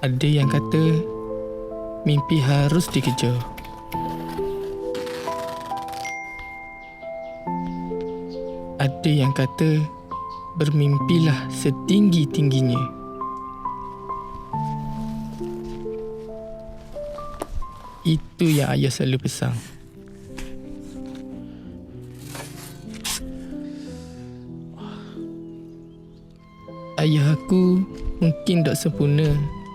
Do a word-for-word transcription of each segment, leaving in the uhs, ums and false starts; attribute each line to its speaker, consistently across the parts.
Speaker 1: Ada yang kata mimpi harus dikejar. Ada yang kata bermimpilah setinggi-tingginya. Itu yang ayah selalu pesan. Ayah aku mungkin tak sempurna,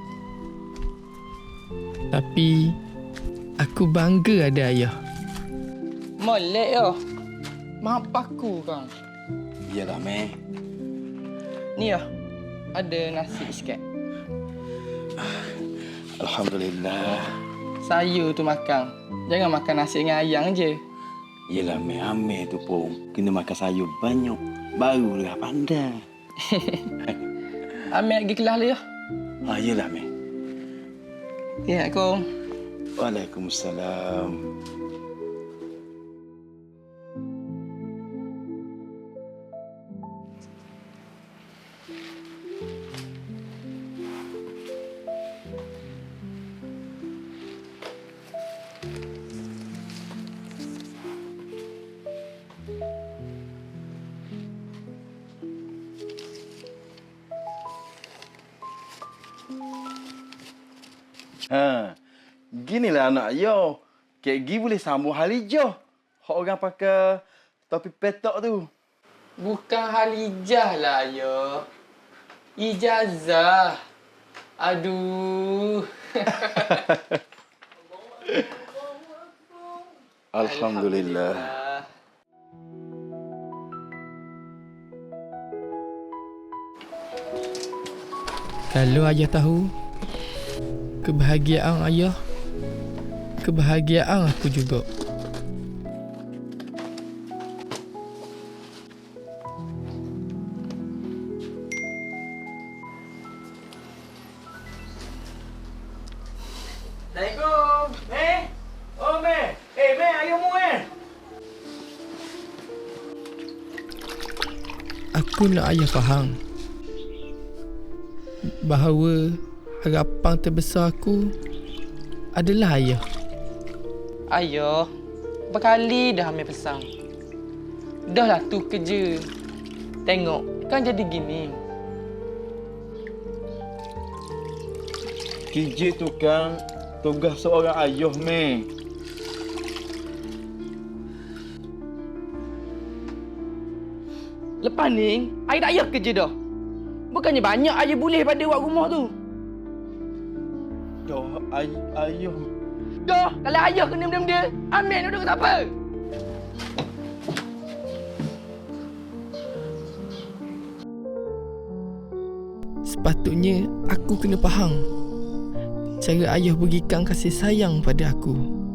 Speaker 1: tapi aku bangga ada ayah.
Speaker 2: Molek yo. Maaf aku kang.
Speaker 3: Iyalah, Meh.
Speaker 2: Ni ya, ada nasi sikit.
Speaker 3: Alhamdulillah.
Speaker 2: Saya tu makan. Jangan makan nasi dengan ayam je.
Speaker 3: Iyalah, Meh. Amir tu pun kena makan sayur banyak. Barulah pandai.
Speaker 2: Ambil pergi kelas dulu ya.
Speaker 3: Ah, iyalah, Meh.
Speaker 2: Ya, Assalamualaikum.
Speaker 3: Waalaikumsalam. Ha, ginilah anak yo. Kek gi boleh sambung halijah. Hak orang pakai topi petok tu.
Speaker 2: Bukan halijah lah, ya. Ijazah. Aduh.
Speaker 3: Alhamdulillah.
Speaker 1: Kalau ayah tahu kebahagiaan ayah, kebahagiaan aku juga.
Speaker 2: Assalamualaikum. Meh. Oh, Meh. Eh, Meh, ayahmu eh.
Speaker 1: Aku nak ayah faham bahawa harapan terbesar aku adalah ayah.
Speaker 2: Ayah, berkali dah ambil pesan. Dah lah tu kerja. Tengok, kan jadi gini.
Speaker 3: Kerja tu kan tugas seorang ayah, Meh.
Speaker 2: Lepas ni, ayah tak payah kerja dah. Bukannya banyak ayah boleh pada buat rumah tu.
Speaker 3: Dah, ay ayah.
Speaker 2: Dah, kalau ayah kena benda-benda, ambil duduk tak apa.
Speaker 1: Sepatutnya aku kena faham cara ayah berikan kasih sayang pada aku.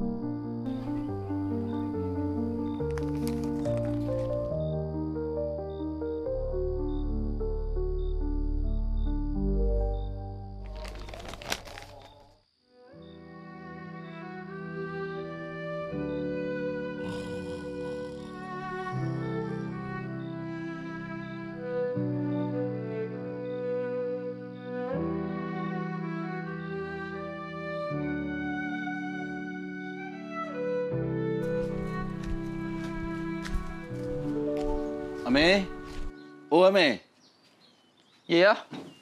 Speaker 3: Amir? Oh, Amir.
Speaker 2: Ya, ya.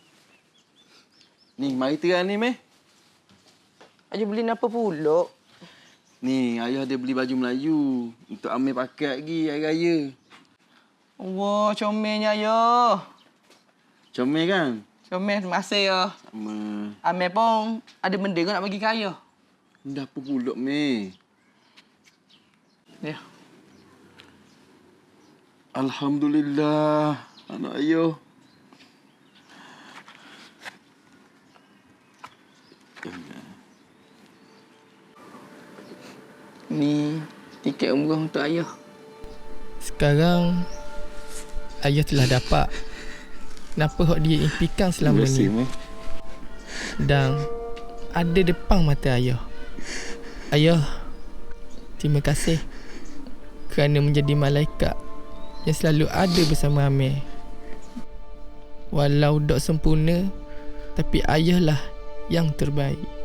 Speaker 3: Ni, mari terang ni, Meh.
Speaker 2: Ayah beli apa pula?
Speaker 3: Ni, ayah ada beli baju Melayu untuk Amir pakai lagi hari raya.
Speaker 2: Wah, comelnya ayah.
Speaker 3: Comel kan?
Speaker 2: Comel, terima kasih ya.
Speaker 3: Sama.
Speaker 2: Amir pun ada benda kau nak bagi ke ayah.
Speaker 3: Dah apa pula, Meh?
Speaker 2: Ya.
Speaker 3: Alhamdulillah, anak ayah.
Speaker 2: Ni tiket umrah untuk ayah.
Speaker 1: Sekarang ayah telah dapat kenapa hak dia impikan selama ni. Dan ada depan mata ayah. Ayah, terima kasih kerana menjadi malaikat yang selalu ada bersama Amir. Walau tak sempurna, tapi ayahlah yang terbaik.